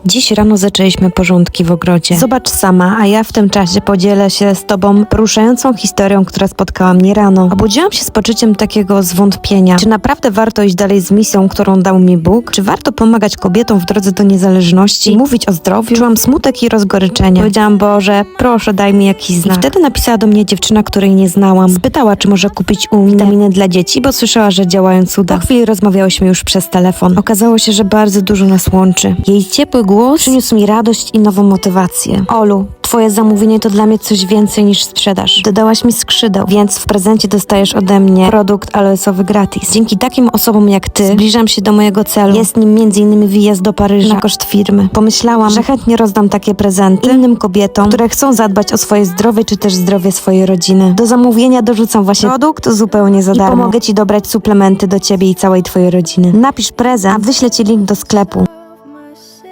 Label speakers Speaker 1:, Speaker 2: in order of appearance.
Speaker 1: Dziś rano zaczęliśmy porządki w ogrodzie. Zobacz sama, a ja w tym czasie podzielę się z tobą poruszającą historią, która spotkała mnie rano. Obudziłam się z poczuciem takiego zwątpienia. Czy naprawdę warto iść dalej z misją, którą dał mi Bóg? Czy warto pomagać kobietom w drodze do niezależności? I mówić o zdrowiu? Czułam smutek i rozgoryczenie. Powiedziałam: Boże, proszę, daj mi jakiś znak. I wtedy napisała do mnie dziewczyna, której nie znałam. Spytała, czy może kupić u mnie witaminy dla dzieci, bo słyszała, że działają cuda. Po chwili rozmawiałyśmy już przez telefon. Okazało się, że bardzo dużo nas łączy. Jej ciepły głos przyniósł mi radość i nową motywację. Olu, twoje zamówienie to dla mnie coś więcej niż sprzedaż. Dodałaś mi skrzydeł, więc w prezencie dostajesz ode mnie produkt aloesowy gratis. Dzięki takim osobom jak ty zbliżam się do mojego celu. Jest nim m.in. wyjazd do Paryża na koszt firmy. Pomyślałam, że chętnie rozdam takie prezenty innym kobietom, które chcą zadbać o swoje zdrowie czy też zdrowie swojej rodziny. Do zamówienia dorzucam właśnie produkt zupełnie za darmo. I pomogę ci dobrać suplementy do ciebie i całej twojej rodziny. Napisz prezent, a wyślę ci link do sklepu.